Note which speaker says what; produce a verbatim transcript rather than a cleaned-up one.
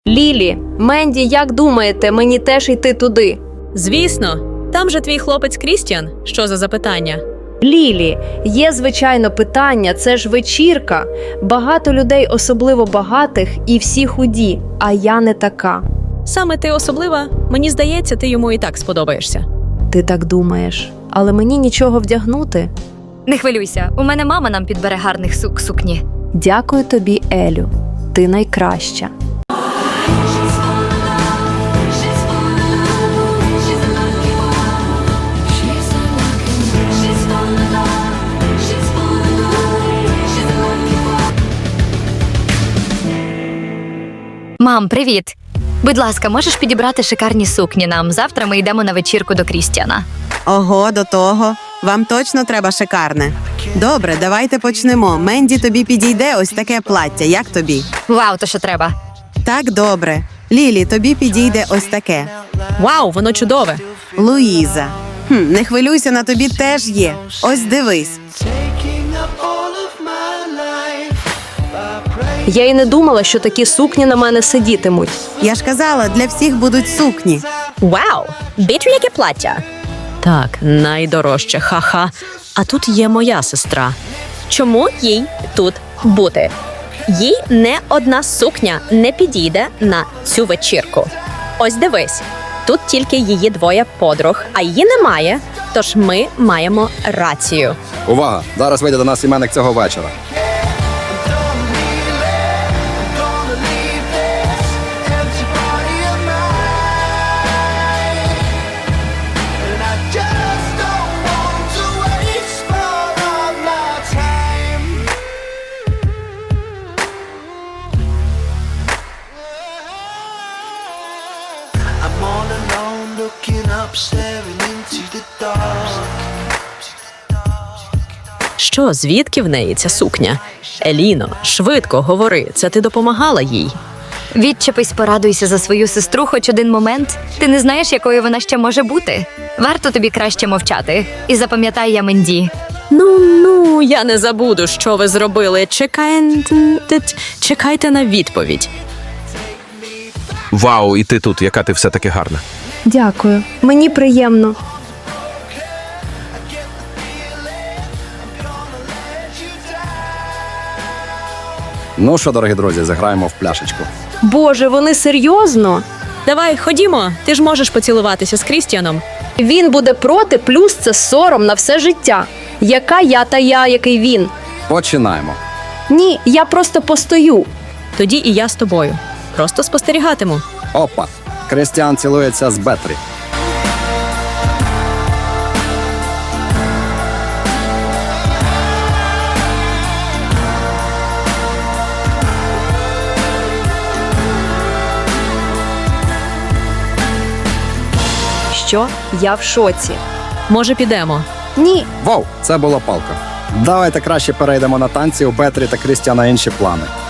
Speaker 1: Лілі, Менді, як думаєте, мені теж йти туди?
Speaker 2: Звісно, там же твій хлопець Крістіан. Що за запитання?
Speaker 1: Лілі, є, звичайно, питання, це ж вечірка. Багато людей, особливо багатих, і всі худі, а я не така.
Speaker 2: Саме ти особлива, мені здається, ти йому і так сподобаєшся.
Speaker 1: Ти так думаєш, але мені нічого вдягнути?
Speaker 3: Не хвилюйся, у мене мама нам підбере гарних сук сукні.
Speaker 1: Дякую тобі, Елю. Ти найкраща.
Speaker 3: Мам, привіт! Будь ласка, можеш підібрати шикарні сукні нам? Завтра ми йдемо на вечірку до Крістіана.
Speaker 4: Ого, до того. Вам точно треба шикарне. Добре, давайте почнемо. Менді, тобі підійде ось таке плаття. Як тобі?
Speaker 3: Вау, то що треба?
Speaker 4: Так, добре. Лілі, тобі підійде ось таке.
Speaker 2: Вау, воно чудове!
Speaker 4: Луїза. Хм, не хвилюйся, на тобі теж є. Ось дивись.
Speaker 1: Я й не думала, що такі сукні на мене сидітимуть.
Speaker 4: Я ж казала, для всіх будуть сукні.
Speaker 2: Вау! Бачу, яке плаття! Так, найдорожче, ха-ха. А тут є моя сестра. Чому їй тут бути? Їй не одна сукня не підійде на цю вечірку. Ось дивись, тут тільки її двоє подруг, а її немає, тож ми маємо рацію.
Speaker 5: Увага! Зараз вийде до нас іменник цього вечора.
Speaker 6: I'm all alone, looking up, staring into the dark.
Speaker 2: Що, звідки в неї ця сукня? Еліно, швидко говори, це ти допомагала їй.
Speaker 3: Відчепись, порадуйся за свою сестру хоч один момент. Ти не знаєш, якою вона ще може бути. Варто тобі краще мовчати. І запам'ятай, я Менді.
Speaker 2: Ну, ну, я не забуду, що ви зробили. Чекайте, чекайте на відповідь.
Speaker 7: Вау, і ти тут, яка ти все-таки гарна.
Speaker 1: Дякую. Мені приємно.
Speaker 5: Ну що, дорогі друзі, заграємо в пляшечку.
Speaker 1: Боже, вони серйозно?
Speaker 2: Давай, ходімо, ти ж можеш поцілуватися з Крістіаном.
Speaker 1: Він буде проти, плюс це сором на все життя. Яка я та я, який він?
Speaker 5: Починаємо.
Speaker 1: Ні, я просто постою.
Speaker 2: Тоді і я з тобою. Просто спостерігатиму.
Speaker 5: Опа! Крістіан цілується з Бетрі.
Speaker 1: Що? Я в шоці.
Speaker 2: Може, підемо?
Speaker 1: Ні,
Speaker 5: Вау, це була палка. Давайте краще перейдемо на танці, у Бетрі та Крістіана інші плани.